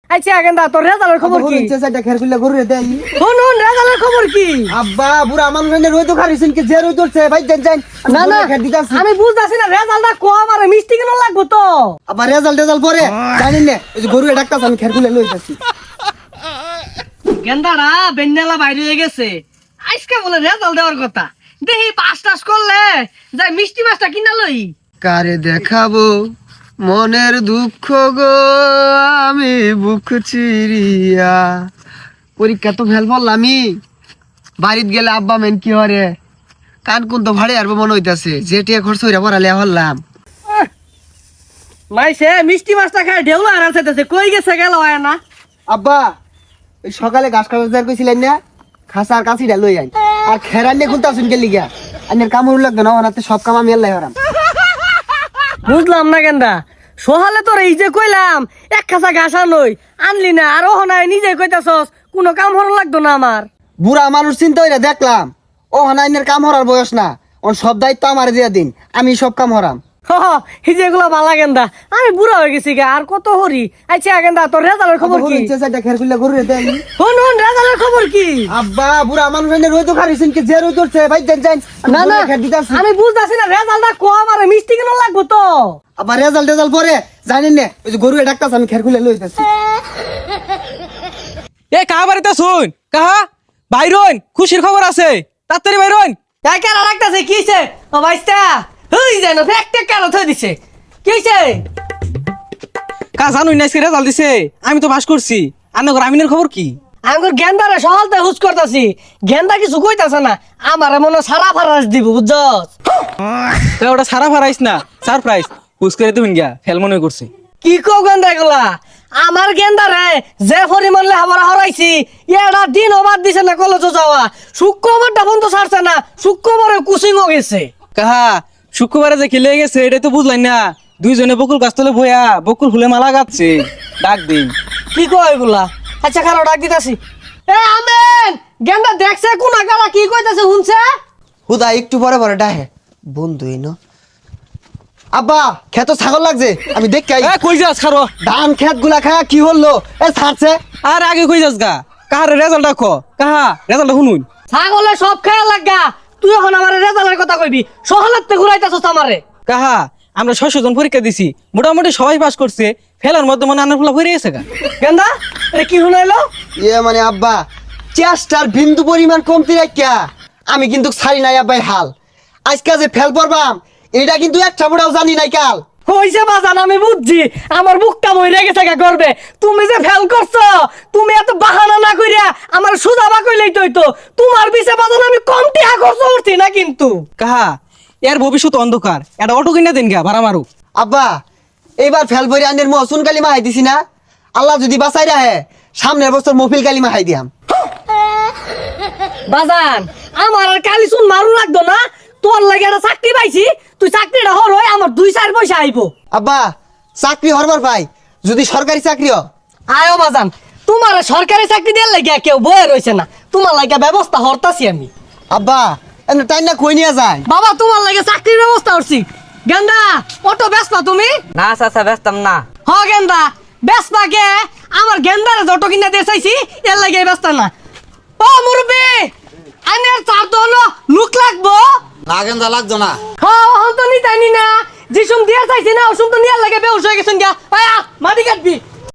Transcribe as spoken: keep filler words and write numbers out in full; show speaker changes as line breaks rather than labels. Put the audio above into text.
আচ্ছা গেন্দা তোর রেজাল্টের খবর কি
চাচা খের খুলে গরু দেই
শুন শুন রেজাল্টের খবর কি
আব্বা বুড়া মানুষ এনে রই তো খারিছেন কি যে রই তোরছে ভাই দেন যান
না না
খের দিতাছি
আমি বুঝতাছি না রেজাল্টটা কম আর মিষ্টি কেন লাগবো তো
আবার রেজাল্ট রেজাল্ট পরে জানেন না এই যে গরু ডাক্তার আমি খের খুলে লই যাচ্ছি
গেন্দারা বেন্নালা বাইরে হয়ে গেছে আজকে বলে রেজাল্ট দেওয়ার কথা দেখি পাস টাস করলে যাই মিষ্টি মাছটা কিনা লই
কারে দেখাবো মনের দুঃখ গো আমি বুক চিরিয়া পরীক্ষা তো ফেল পড়লামই বাড়িত গেলে আব্বা মেন কি হরে কান কোন তো ভাড়ে আরবো মনে হইতাছে যে টিয়া খরচ হইরা পড়ালে হলাম
মাইসে মিষ্টি মাছটা খায় ঢেউলা আর আনছে কই গেছে গেল হয় না
আব্বা ওই সকালে ঘাস খাবার কইছিলেন না খাসার কাছিটা লই আই আর খেরান নিয়ে খুলতে আসুন গেলি গিয়া আনের কামড় লাগবে না ওনাতে সব কাম আমি আল্লাহ হারাম
বুঝলাম না গেন্দা সহালে তোর এই যে কইলাম এক খাসা ঘাস আনই আনলি না আর ওহ নাই নিজে কইতাছস কোনো কাম হর লাগতো না আমার
বুড়া মানুষ চিন্তা হইরা দেখলাম ও হানাইনের কাম হরার বয়স না ওর সব দায়িত্ব আমার দিয়া দিন আমি সব কাম হরাম
হ এই যে এগুলা বালা গেন্দা আমি বুড়া হয়ে গেছি গা আর কত হরি আচ্ছা গেন্দা তোর রেজাল্টের খবর কি
চাচা খের খুলে গরু দেই
শুন শুন রেজাল্টের খবর কি
আব্বা বুড়া মানুষ এনে রই তো খারিছেন কি যে রই তোরছে ভাই দেন যান
না না
খের দিতাছি
আমি বুঝতাছি না রেজাল্টটা কম আর মিষ্টি কেন লাগবো তো
আবার রেজাল্ট রেজাল্ট পরে জানেন না ওই যে গরু ডাক্তার আমি খের খুলে লই যাচ্ছি
এ কাহা বাড়িতে শুন কাহা বাইরন খুশির খবর আছে তাড়াতাড়ি বাইরন
তাই কেন রাখতেছে কিছে ও ভাইস্তা হই যেন ফেকটে কেন থই দিছে কিছে
কা জানুই না আজকে রেজাল্ট দিছে আমি তো পাস করছি আন্নগর আমিনের খবর কি
আমার গেন্দারে সহালতে হুজ করতাছি গেন্দা কিছু কইতাছে না আমার মনে সারা ফারাস দিব বুঝছস
তো ওটা সারা ফারাইস না সারপ্রাইজ হুস করে তুমি গিয়া ফেল মনে করছে
কি কো গেন্দা গুলা আমার গেন্দারে যে পরিমাণ লেহাপড়া হরাইছি এটা দিন অবাদ দিছে না কলেজ যাওয়া শুক্রবারটা বন্ধ ছাড়ছে না শুক্রবারে কুচিংও গেছে
কাহা শুক্রবারে যে খেলে গেছে এটা তো বুঝলাই না দুইজনে বকুল গাছ তলে বইয়া বকুল ফুলে মালা গাচ্ছে ডাক দিন
কি কয় এগুলা আচ্ছা খারাপ ডাক দিতাছি এ আমেন গেন্দা দেখছে কোন আগালা কি কইতাছে শুনছে
হুদা একটু পরে পরে ডাহে বন্ধুই ন আব্বা খেত ছাগল লাগছে আমি দেখি আই
এ কই যাস খারো
ধান খেত গুলা খায়া কি হলো এ ছাড়ছে
আর আগে কই যাস গা কাহার রেজাল্ট দেখো কাহা রেজাল্ট শুনুন
ছাগলে সব খেয়াল লাগা তুই এখন আমার রেজাল্টের কথা কইবি সহালাতে ঘুরাইতাছস আমারে
কাহা আমরা ছয়শো জন পরীক্ষা দিছি মোটামুটি সবাই পাস করছে ফেলার মধ্যে মনে আনার ফুলা ভরে গেছে গা
গেন্দা এটা কি শুনাইলো
ইয়ে মানে আব্বা চেষ্টার বিন্দু পরিমাণ কমতি রাখিয়া আমি কিন্তু ছাড়ি নাই আব্বাই হাল আজকে যে ফেল পড়বাম এটা কিন্তু একটা বড়াও জানি নাই কাল
কইছে বাজান আমি বুঝছি আমার বুকটা মইরা গেছে গা করবে তুমি যে ফেল করছো তুমি এত বাহানা না কইরা আমার সুজাবা কইলেই তো হইতো তোমার পিছে বাজান আমি কম টিহা খরচ করছি না কিন্তু
কাহা এর ভবিষ্যৎ অন্ধকার এটা অটো কিনা দিন গা ভাড়া মারু
আব্বা এইবার ফেল পরে আনের মহসুন কালিমা হাই দিছি না আল্লাহ যদি বাঁচাই রাহে সামনের বছর মফিল কালিমা হাই দিয়াম
বাজান আমার আর কালি শুন মারু লাগতো না তোর লাগে একটা চাকরি পাইছি তুই চাকরিটা হর হয় আমার দুই চার পয়সা আইবো
আব্বা চাকরি হরবার ভাই যদি সরকারি চাকরি হ
আয়ো বাজান তোমার সরকারি চাকরি দেওয়ার লাগে কেউ বয়ে রয়েছে না তোমার লাগে ব্যবস্থা হরতাছি আমি
আব্বা এনে তাই না কই নিয়ে যায়
বাবা তোমার লাগে চাকরির ব্যবস্থা করছি গেন্দা অটো ব্যস্ত তুমি
না চাচা ব্যস্তাম না
হ গেন্দা ব্যস্ত কে আমার গেন্দারে যত কিনা দিয়ে চাইছি এর লাগে ব্যস্ত না ও মুরব্বি আনের চার তো হলো লুক লাগবো
না গেন্দা লাগতো না
হ্যাঁ হন তো নিতানি না যে সুম দিয়ে চাইছি না ওসুম তো নিয়ার লাগে বেউস হয়ে গেছেন গা আয়া মাটি কাটবি